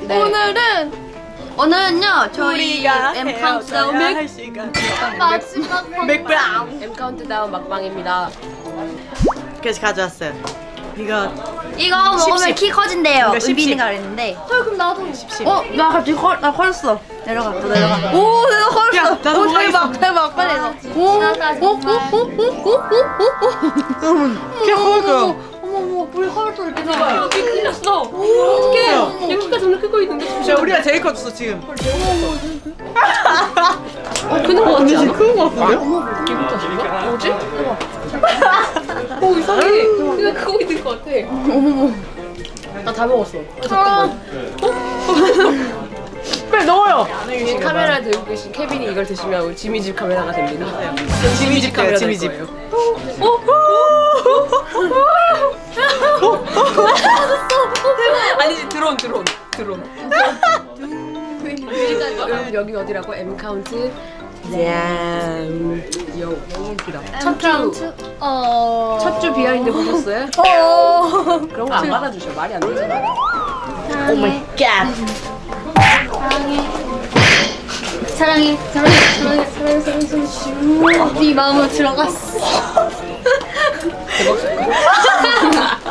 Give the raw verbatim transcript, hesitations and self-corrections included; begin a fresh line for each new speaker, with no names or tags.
네.
오늘은
오늘은요 저희
우리가
M 카운트다운
헤어져야
맥
할 시간.
마지막
맥브라운.
M 카운트다운 막방입니다.
그래서 가져왔어요. 이거
이거 먹으면
씹씹.
키 커진대요.
이거 씹씹.
은빈이가 그랬는데.
저 그럼 나도
어? 나 갑자기 커, 나 커졌어. 내려가, 또 내려가. 오, 내가 커졌어.
야, 나도
오,
뭐가
대박,
있어.
대박, 빨리 해서. 오,
나다, 정말.
여러분 키 커볼 거요.
어머, 어머, 우리 커졌어, 이렇게
야,
나.
키 큰일났어. 어떡해. 야, 키가 점점 크고 있는데.
자, 우리가 제일 컸어 지금.
어, 크는 거 같지 않아?
큰거 같은데요?
기분 탓인가? 뭐지? 오, 이상해. 키가 크고 있는 거 같아. 어머머. 나 다 먹었어. 어, 잠깐만.
빨리 넣어요.
지금 카메라 들고 계신 케빈이 이걸 드시면 우리 지미집 카메라가 됩니다.
지미집
카메라
돼요,
될
지미집.
거예요. 아니지, 드론, 드론, 드론. 여러분 여기 어디라고? M 카운트. 짠. 요, 너무 웃기다. 첫 주,
어...
첫 주 비하인드 보셨어요?
어...
그런 거 안 받아주셔. 말이 안 되잖아.
오 마이
갓.
사랑해 사랑해 사랑해 사랑해 사랑해 사랑해 네 마음으로 들어갔어
대박.